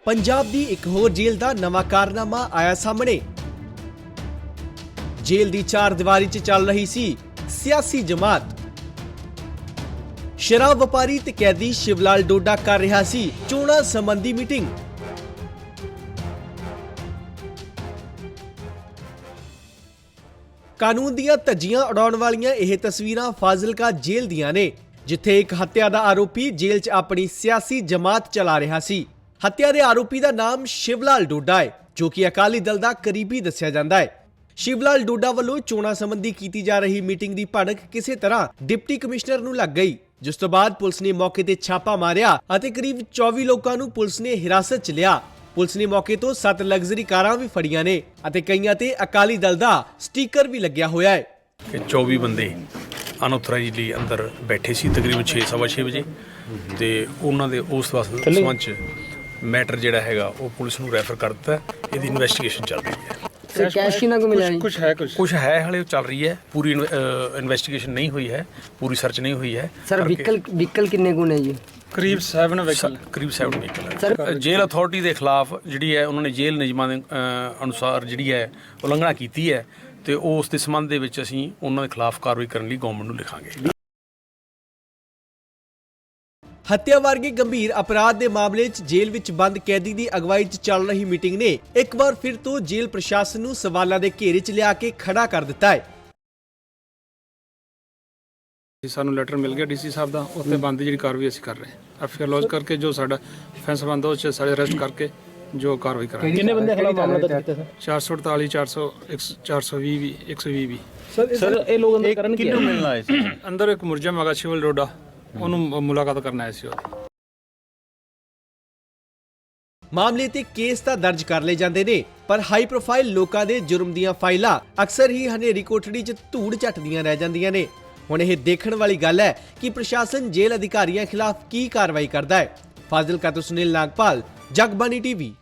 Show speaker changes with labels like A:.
A: पंजाब दी एक होर जेल दा नवा कारनामा आया सामने। जेल दी चार दीवारी च चल रही सी सियासी जमात। शराब व्यापारी ते कैदी शिवलाल डोडा कर रहा सी चोणां संबंधी मीटिंग। कानून दियां धज्जियां उड़ाउण वालियां यह तस्वीरां फाजिलका जेल दियां ने, जिथे एक हत्या दा आरोपी जेल च अपनी सियासी जमात चला रहा सी। हत्या दे आरोपी दा नाम शिवलाल डोडा है, जो कि अकाली दल दा करीबी दस्सिया जांदा है। शिवलाल डोडा वालों चोणां संबंधी कीती जा रही मीटिंग दी भड़क किसी तरह डिप्टी कमिश्नर नूं लग गई, जिस तो बाद पुलिस ने मौके ते छापा मारिया अते करीब 24 लोगों नूं पुलिस ने हिरासत च लिया। पुलिस ने मौके तो 7 लग्जरी कारां भी फड़ियां ने अते कईयां ते अकाली दल दा स्टीकर भी लग्या होया है।
B: 24 बंदे अनऑथराइजली अंदर बैठे सी तकरीबन 6:15 वजे ते उन्हां दे उस संबंध च मैटर जिहड़ा हैगा वो पुलिस नूं रैफर कर दिता है। इहदी इन्वेस्टिगेशन चल रही है। कुछ है हाले चल रही है, पूरी इन्वेस्टिगेशन नहीं हुई है, पूरी सर्च नहीं हुई है।
C: सर व्हीकल किन्ने गुण है जी?
B: करीब 7 व्हीकल है। जेल अथॉरिटी के खिलाफ जिहड़ी है उन्होंने जेल नियमां दे अनुसार जिहड़ी है उलंघना कीती है ते उस दे संबंध दे विच असीं उन्हां दे खिलाफ कार्रवाई करन लई गवर्नमेंट नूं लिखांगे।
A: हत्या वर्गे गंभीर अपराध के मामले च जेल विच बंद कैदी की अगवाई च चल रही मीटिंग ने एक बार फिर तो जेल प्रशासन नूं सवालों के घेरे च लिया के खड़ा कर दिता है।
D: सानू लैटर मिल गया डीसी साहब का, उत्ते बंद की कार्रवाई असीं कर रहे हैं। एफआईआर लॉन्च करके जो साडा फैंस बंद हो सारे अरेस्ट करके जो कार्रवाई करांगे।
E: कितने बंदे खिलाफ मामला दर्ज किया सर?
D: 448 400 420 भी 120 भी।
E: सर ये लोग अंदर करन किन्नू मिलना है?
D: अंदर एक मुरजम हैगा शिवल डोडा, ਉਹਨੂੰ ਮੁਲਾਕਾਤ ਕਰਨ ਆਏ ਸੀ।
A: मामले ते केस तां दर्ज कर ले जांदे ने, पर हाई प्रोफाइल लोकां दे जुर्म दीयां फाइलां अक्सर ही हनेरी कोठड़ी च धूड़ झटदियां रह जांदियां ने। हुण यह देखण वाली गल है कि प्रशासन जेल अधिकारियों खिलाफ की कार्रवाई करदा है। फाजिलका तो सुनील नागपाल, जगबानी टीवी।